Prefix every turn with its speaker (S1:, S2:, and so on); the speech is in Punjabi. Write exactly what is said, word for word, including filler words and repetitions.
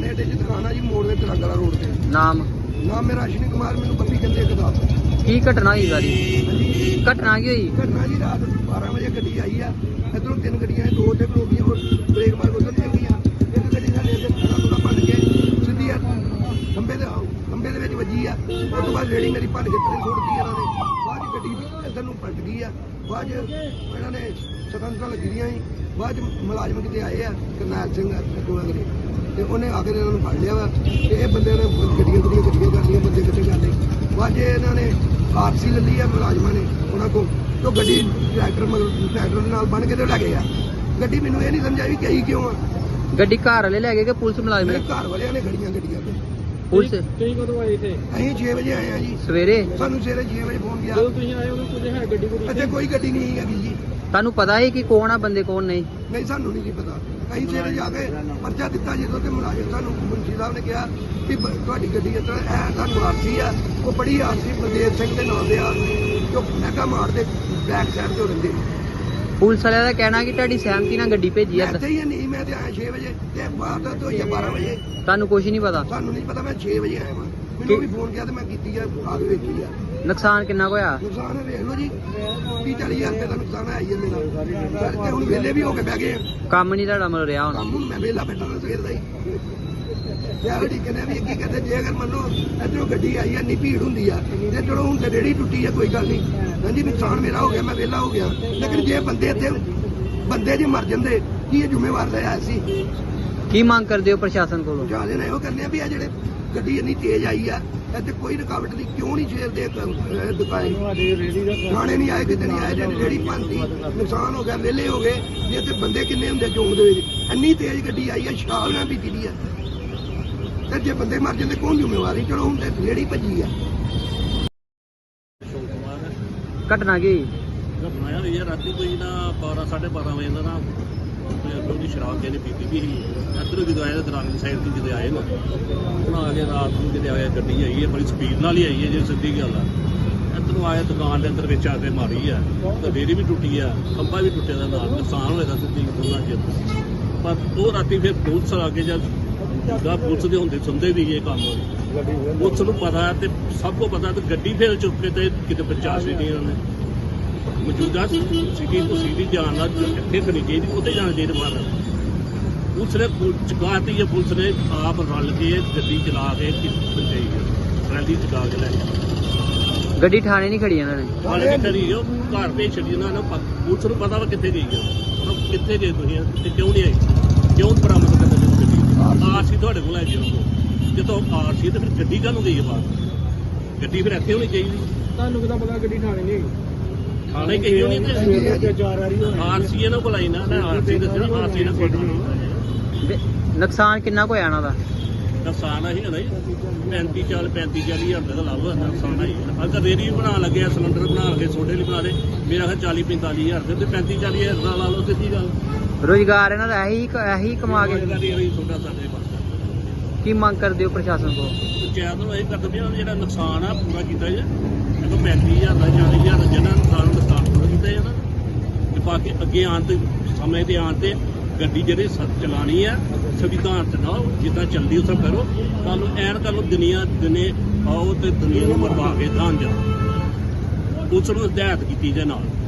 S1: ਆਪਣੇ ਅੱਡੇ 'ਚ ਦੁਕਾਨ ਆ ਜੀ ਮੋੜ ਦੇ ਤਿਰੰਗਲਾ ਰੋਡ ਤੇ।
S2: ਨਾਮ
S1: ਨਾਮ ਮੇਰਾ ਅਸ਼ਵਨੀ ਕੁਮਾਰ, ਮੈਨੂੰ ਬੱਬੀ ਕਹਿੰਦੇ ਇੱਕ ਦਾ।
S2: ਕੀ ਘਟਨਾ ਹੋਈ ਸਾਰੀ?
S1: ਹਾਂਜੀ
S2: ਘਟਨਾ ਕੀ ਹੋਈ?
S1: ਘਟਨਾ ਜੀ ਰਾਤ ਬਾਰਾਂ ਵਜੇ ਗੱਡੀ ਆਈ ਆ, ਇੱਧਰੋਂ ਤਿੰਨ ਗੱਡੀਆਂ ਨੇ, ਦੋ ਤੇ ਖਲੋਗੀਆਂ, ਉਹ ਬ੍ਰੇਕ ਮਾਰ ਉਧਰ ਚੱਲ ਗਈਆਂ। ਇੱਕ ਗੱਡੀ ਸਾਡੇ ਇੱਥੇ ਥੋੜਾ ਥੋੜਾ ਭੰਨ ਕੇ ਸਿੱਧੀ ਆ ਖੰਭੇ ਦੇ ਖੰਭੇ ਦੇ ਵਿੱਚ ਵੱਜੀ ਆ। ਉਸ ਤੋਂ ਬਾਅਦ ਰੇੜੀ ਮੇਰੀ ਭੰਨ ਕੇ ਥੱਲੇ ਸੁੱਟਦੀ ਇਹਨਾਂ ਨੇ। ਬਾਅਦ 'ਚ ਗੱਡੀ ਇੱਧਰ ਨੂੰ ਪਲਟ ਗਈ ਆ। ਬਾਅਦ 'ਚ ਇਹਨਾਂ ਨੇ ਸਤੰਤਰਾਂ ਲੱਗੀ ਦੀਆਂ ਸੀ। ਬਾਅਦ 'ਚ ਮੁਲਾਜ਼ਮ ਕਿਤੇ ਆਏ ਆ, ਕਰਨੈਲ ਸਿੰਘ ਕੋਲ, ਤੇ ਉਹਨੇ ਆ ਕੇ ਇਹਨਾਂ ਨੂੰ ਫੜ ਲਿਆ ਵਾ। ਤੇ ਇਹ ਬੰਦੇ ਨੇ ਗੱਡੀਆਂ ਗੱਡੀਆਂ ਗੱਡੀਆਂ ਕਰ ਲਈਆਂ, ਬੰਦੇ ਕਿੱਥੇ ਕਰ ਲਏ। ਬਾਅਦ 'ਚ ਇਹਨਾਂ ਨੇ ਆਰਸੀ ਲੈ ਲਈ ਆ ਮੁਲਾਜ਼ਮਾਂ ਨੇ ਉਹਨਾਂ ਕੋਲ, ਤੋਂ ਗੱਡੀ ਟਰੈਕਟਰ ਮਤਲਬ ਟਰੈਕਟਰ ਦੇ ਨਾਲ ਬੰਨ ਕੇ ਤੇ ਲੈ ਗਏ ਆ। ਗੱਡੀ ਮੈਨੂੰ ਇਹ ਨਹੀਂ ਸਮਝ ਆਈ ਗਈ ਕਿਉਂ ਆ।
S2: ਗੱਡੀ ਘਰ ਵਾਲੇ ਲੈ ਗਏ ਕਿ ਪੁਲਿਸ ਮੁਲਾਜ਼ਮ?
S1: ਮੇਰੇ ਘਰ ਵਾਲਿਆਂ ਨੇ ਖੜੀਆਂ ਗੱਡੀਆਂ ਤੇ।
S2: ਪੁਲਿਸ
S3: ਤੁਸੀਂ ਕਦੋਂ ਆਏ ਇੱਥੇ?
S1: ਅਸੀਂ ਛੇ ਵਜੇ ਆਏ ਆ ਜੀ।
S2: ਸਵੇਰੇ?
S1: ਸਾਨੂੰ ਸਵੇਰੇ ਛੇ ਵਜੇ ਫੋਨ ਗਿਆ।
S3: ਜਦੋਂ ਤੁਸੀਂ ਆਏ ਉਦੋਂ ਕੁਝ ਹੈ ਗੱਡੀ ਕੋਈ?
S1: ਇੱਥੇ ਕੋਈ ਗੱਡੀ ਨਹੀਂ ਹੈਗੀ ਜੀ।
S2: ਤੁਹਾਨੂੰ ਪਤਾ ਹੈ ਕਿ ਕੌਣ ਆ ਬੰਦੇ ਕੌਣ ਨਹੀਂ?
S1: ਨਹੀਂ ਸਾਨੂੰ ਨਹੀਂ ਜੀ ਪਤਾ। ਅਸੀਂ ਸਵੇਰੇ ਜਾ ਕੇ ਪਰਚਾ ਦਿੱਤਾ ਜਦੋਂ ਤੇ ਮੁਲਾਜ਼ਮ ਸਾਨੂੰ ਮੁੰਸ਼ੀ ਸਾਹਿਬ ਨੇ ਕਿਹਾ ਕਿ ਬ- ਤੁਹਾਡੀ ਗੱਡੀ ਇਸ ਤਰ੍ਹਾਂ ਇਹ ਤੁਹਾਨੂੰ ਆਰਸੀ ਆ। ਉਹ ਬੜੀ ਆਰਸੀ ਬਲਦੇਵ ਸਿੰਘ ਦੇ ਨਾਂ ਦੇ ਆ, ਜੋ ਮੈਗਾ ਮਾਰ ਦੇ ਬੈਕ ਸਾਈਡ ਤੋਂ ਰਹਿੰਦੇ।
S2: ਪੁਲਿਸ ਵਾਲਿਆਂ ਦਾ ਕਹਿਣਾ ਕਿ ਤੁਹਾਡੀ ਸਹਿਮਤੀ ਨਾਲ ਗੱਡੀ ਭੇਜੀ ਆ।
S1: ਇੱਥੇ ਹੀ ਨਹੀਂ, ਮੈਂ ਤੇ ਆਇਆ ਛੇ ਵਜੇ ਤੇ ਬਾਹਰ ਦਾ ਤੋਂ ਬਾਰਾਂ ਵਜੇ।
S2: ਤੁਹਾਨੂੰ ਕੁਝ ਨਹੀਂ ਪਤਾ?
S1: ਸਾਨੂੰ ਨਹੀਂ ਪਤਾ, ਮੈਂ ਛੇ ਵਜੇ ਆਇਆ ਵਾਂ। ਮੈਨੂੰ ਵੀ ਫੋਨ ਕੀਤਾ ਤੇ ਮੈਂ ਕੀਤੀ ਆ, ਆ ਕੇ ਵੇਖੀ ਆ।
S2: ਨੁਕਸਾਨ ਕਿੰਨਾ ਕੁ ਹੋਇਆ?
S1: ਨੁਕਸਾਨ ਵੇਖ ਲਓ ਜੀ, ਤੀਹ ਚਾਲੀ ਹਜ਼ਾਰ ਰੁਪਏ ਦਾ ਨੁਕਸਾਨ ਆਈ ਹੈ ਮੇਰਾ। ਤੇ ਹੁਣ ਵਿਹਲੇ ਵੀ ਹੋ ਕੇ ਬਹਿ ਗਏ ਆ।
S2: ਕੰਮ ਨਹੀਂ ਤੁਹਾਡਾ ਮਿਲ ਰਿਹਾ ਹੁਣ?
S1: ਕੰਮ ਹੁਣ ਮੈਂ ਵਿਹਲਾ ਬੈਠਾ ਨਾ ਸਵੇਰ ਦਾ ਹੀ। ਯਾਰ ਠੀਕ ਕਹਿੰਦੇ ਵੀ ਕੀ ਕਹਿੰਦੇ, ਜੇ ਅਗਰ ਮੰਨੋ ਇੱਧਰੋਂ ਗੱਡੀ ਆਈ ਆ, ਇੰਨੀ ਭੀੜ ਹੁੰਦੀ ਆ ਤੇ ਚਲੋ ਹੁਣ ਤੇ ਰੇੜੀ ਟੁੱਟੀ ਆ, ਕੋਈ ਗੱਲ ਨਹੀਂ। ਹਾਂਜੀ ਨੁਕਸਾਨ ਮੇਰਾ ਹੋ ਗਿਆ, ਮੈਂ ਵਿਹਲਾ ਹੋ ਗਿਆ। ਲੇਕਿਨ ਜੇ ਬੰਦੇ ਇੱਥੇ ਬੰਦੇ ਜੇ ਮਰ ਜਾਂਦੇ ਕੀ ਇਹ ਜ਼ਿੰਮੇਵਾਰ ਲਿਆ ਸੀ?
S2: ਕੀ ਮੰਗ ਕਰਦੇ ਹੋ ਪ੍ਰਸ਼ਾਸਨ ਕੋਲੋਂ?
S1: ਜਾਲੇ ਨੇ ਇਹੋ ਕਰਨੇ ਆ ਵੀ ਆ ਜਿਹੜੇ ਗੱਡੀ ਇੰਨੀ ਤੇਜ਼ ਆਈ ਆ, ਇੱਥੇ ਕੋਈ ਰੁਕਾਵਟ ਨਹੀਂ, ਕਿਉਂ ਨਹੀਂ ਛੇੜਦੇ ਦੁਕਾਨ? ਥਾਣੇ ਨਹੀਂ ਆਏ, ਕਿਤੇ ਨਹੀਂ ਆਏ, ਜਿਹੜੀ ਰੇੜੀ ਭੰਨਦੀ ਨੁਕਸਾਨ ਹੋ ਗਿਆ, ਵਿਹਲੇ ਹੋ ਗਏ। ਜੇ ਇੱਥੇ ਬੰਦੇ ਕਿੰਨੇ ਹੁੰਦੇ ਚੌਂਕ ਦੇ ਵਿੱਚ? ਇੰਨੀ ਤੇਜ਼ ਗੱਡੀ ਆਈ ਆ, ਸ਼ਾਲ ਨਾਲ ਬੀਤੀ ਦੀ ਆ। ਤੇ ਜੇ ਬੰਦੇ ਮਰ ਜਾਂਦੇ ਕੌਣ ਜ਼ਿੰਮੇਵਾਰੀ? ਚਲੋ ਹੁਣ ਤੇ ਰੇੜੀ ਭੱਜੀ ਆ।
S2: ਘਟਨਾ ਕੀ ਹੋਈ?
S4: ਘਟਨਾ ਯਾਰ ਇਹ ਰਾਤੀ ਕੋਈ ਨਾ ਬਾਰਾਂ ਸਾਢੇ ਬਾਰਾਂ ਵਜੇ ਦਾ ਨਾ ਉਹਦੀ ਸ਼ਰਾਬ ਜਿਹਨੇ ਪੀਤੀ ਵੀ ਸੀ। ਇੱਧਰੋਂ ਜਦੋਂ ਆਏ ਦਰਾਨੀ ਸਾਈਡ ਤੋਂ ਜਦੋਂ ਆਏ ਨਾ ਹੁਣ ਆ ਕੇ ਰਾਤ ਨੂੰ ਕਿਤੇ ਆਇਆ ਗੱਡੀ ਆਈ ਹੈ, ਬੜੀ ਸਪੀਡ ਨਾਲ ਹੀ ਆਈ ਹੈ, ਜੇ ਸਿੱਧੀ ਗੱਲ ਆ। ਇੱਧਰੋਂ ਆਇਆ ਦੁਕਾਨ ਦੇ ਅੰਦਰ ਵਿੱਚ ਆ ਕੇ ਮਾਰੀ ਆ, ਤਾਂ ਰੇੜੀ ਵੀ ਟੁੱਟੀ ਆ, ਖੰਭਾ ਵੀ ਟੁੱਟਿਆ ਦਾ ਨਾਲ, ਨੁਕਸਾਨ ਹੋਏਗਾ ਸਿੱਧੀ ਦੋਨਾਂ ਚ। ਪਰ ਉਹ ਰਾਤੀ ਫਿਰ ਪੁਲਿਸ ਆ ਕੇ ਜਦ ਜਿੱਦਾਂ ਪੁਲਿਸ ਦੇ ਹੁੰਦੇ ਸੁਣਦੇ ਵੀ ਇਹ ਕੰਮ, ਪੁਲਿਸ ਨੂੰ ਪਤਾ ਤੇ ਸਭ ਨੂੰ ਪਤਾ, ਤੇ ਗੱਡੀ ਫਿਰ ਚੁੱਕ ਕੇ ਤੇ ਕਿਤੇ ਪਹੁੰਚਾ ਸੀ ਇਹਨਾਂ ਨੇ। ਮੌਜੂਦਾ ਸਿੱਧੀ ਤੋਂ ਸਿੱਧੀ ਜਾਣ ਨਾਲ ਕਿੱਥੇ ਕਰਨੀ ਚਾਹੀਦੀ, ਉੱਥੇ ਜਾਣਾ ਚਾਹੀਦਾ ਬਾਹਰ। ਪੁਲਿਸ ਨੇ ਚੁਕਾਤੀ ਹੈ, ਪੁਲਿਸ ਨੇ ਆਪ ਰਲ ਕੇ ਗੱਡੀ ਚਲਾ ਕੇ ਪਹੁੰਚਾਈ ਹੈ, ਰੈਲੀ ਚੁਕਾ ਕੇ ਲੈ ਗਈ।
S2: ਗੱਡੀ ਥਾਣੇ ਨਹੀਂ ਖੜੀ ਇਹਨਾਂ ਨੇ?
S4: ਹਾਲੇ ਕਿ ਕਰੀ ਉਹ ਘਰ ਤੇ ਛੱਡੀ ਉਹਨਾਂ ਨੇ, ਪੁਲਿਸ ਨੂੰ ਪਤਾ ਵਾ ਕਿੱਥੇ ਗਈ ਹੈ, ਕਿੱਥੇ ਗਏ ਤੁਸੀਂ ਤੇ ਕਿਉਂ ਨਹੀਂ ਆਏ, ਕਿਉਂ ਬਰਾਮਦ ਕਰਦੇ ਗੱਡੀ? ਆਰਸੀ ਤੁਹਾਡੇ ਕੋਲ ਹੈ ਜੀ, ਉਹ ਜਦੋਂ ਆਰਸੀ ਤੇ ਫਿਰ ਗੱਡੀ ਕਾਹਨੂੰ ਗਈ ਹੈ ਬਾਹਰ? ਗੱਡੀ ਫਿਰ ਇੱਥੇ ਹੋਣੀ ਚਾਹੀਦੀ।
S3: ਤੁਹਾਨੂੰ ਕਿਦਾਂ ਪਤਾ ਗੱਡੀ ਥਾਣੇ ਨਹੀਂ ਹੈਗੀ?
S4: ਥਾਣੇ ਗਈ ਹੋਣੀ ਤੇ ਆਰਸੀ ਇਹਨਾਂ ਕੋਲ ਆਈ ਨਾ, ਆਰਸੀ ਦੱਸਣਾ, ਆਰਸੀ ਨਾਲ ਕੋਈ
S2: ਨੁਕਸਾਨ ਕਿੰਨਾ ਕੁ ਹੋਇਆ ਇਹਨਾਂ ਦਾ?
S4: ਨੁਕਸਾਨ ਆਹੀ ਹੋਣਾ ਜੀ, ਪੈਂਤੀ ਚਾਲ ਪੈਂਤੀ ਚਾਲੀ ਹਜ਼ਾਰ ਰੁਪਏ ਦਾ ਲਾਭ ਨੁਕਸਾਨ ਆਈ। ਅੱਜ ਤਾਂ ਰੇਹੜੀ ਵੀ ਬਣਾਉਣ ਲੱਗੇ ਆ, ਸਿਲੰਡਰ ਬਣਾ ਕੇ, ਸੋਡੇ ਲਈ ਬਣਾ ਦੇ, ਮੇਰਾ ਖਿਆਲ ਚਾਲੀ ਪੈਂਤਾਲੀ ਹਜ਼ਾਰ ਰੁਪਏ ਤੇ ਪੈਂਤੀ ਚਾਲੀ ਹਜ਼ਾਰ ਦਾ ਲਾ ਲਓ, ਸਿੱਧੀ ਗੱਲ।
S2: ਰੋਜ਼ਗਾਰ ਇਹਨਾਂ ਦਾ ਇਹੀ ਇਹੀ ਕਮਾ ਕੇ?
S4: ਛੋਟਾ ਸਾਡੇ ਪਾਸ।
S2: ਕੀ ਮੰਗ ਕਰਦੇ ਹੋ ਪ੍ਰਸ਼ਾਸਨ ਕੋਲ?
S4: ਪੰਚਾਇਤ ਨੂੰ ਇਹ ਕਰਦੇ ਵੀ ਇਹਨਾਂ ਦਾ ਜਿਹੜਾ ਨੁਕਸਾਨ ਆ ਪੂਰਾ ਕੀਤਾ ਜਾਏ। ਦੇਖੋ ਪੈਂਤੀ ਹਜ਼ਾਰ ਦਾ ਚਾਲੀ ਹਜ਼ਾਰ ਦਾ ਜਿਹੜਾ ਨੁਕਸਾਨ ਨੁਕਸਾਨ ਪੂਰਾ ਕੀਤਾ ਜਾਣਾ, ਤੇ ਬਾਕੀ ਅੱਗੇ ਆਉਣ ਤੇ ਸਮੇਂ ਤੇ ਆਉਣ ਤੇ ਗੱਡੀ ਜਿਹੜੇ ਚਲਾਉਣੀ ਆ ਸੰਵਿਧਾਨ ਚਲਾਓ, ਜਿੱਦਾਂ ਚੱਲਦੀ ਉਸ ਤਰ੍ਹਾਂ ਕਰੋ। ਕੱਲ ਨੂੰ ਐਨ ਕੱਲ ਨੂੰ ਦੁਨੀਆ ਦਿਨੇ ਆਓ ਤੇ ਦੁਨੀਆ ਨੂੰ ਮਰਵਾ ਕੇ ਤਾਂ ਜਾਓ। ਉਸ ਨੂੰ ਹਦਾਇਤ ਕੀਤੀ ਜੇ ਨਾਲ।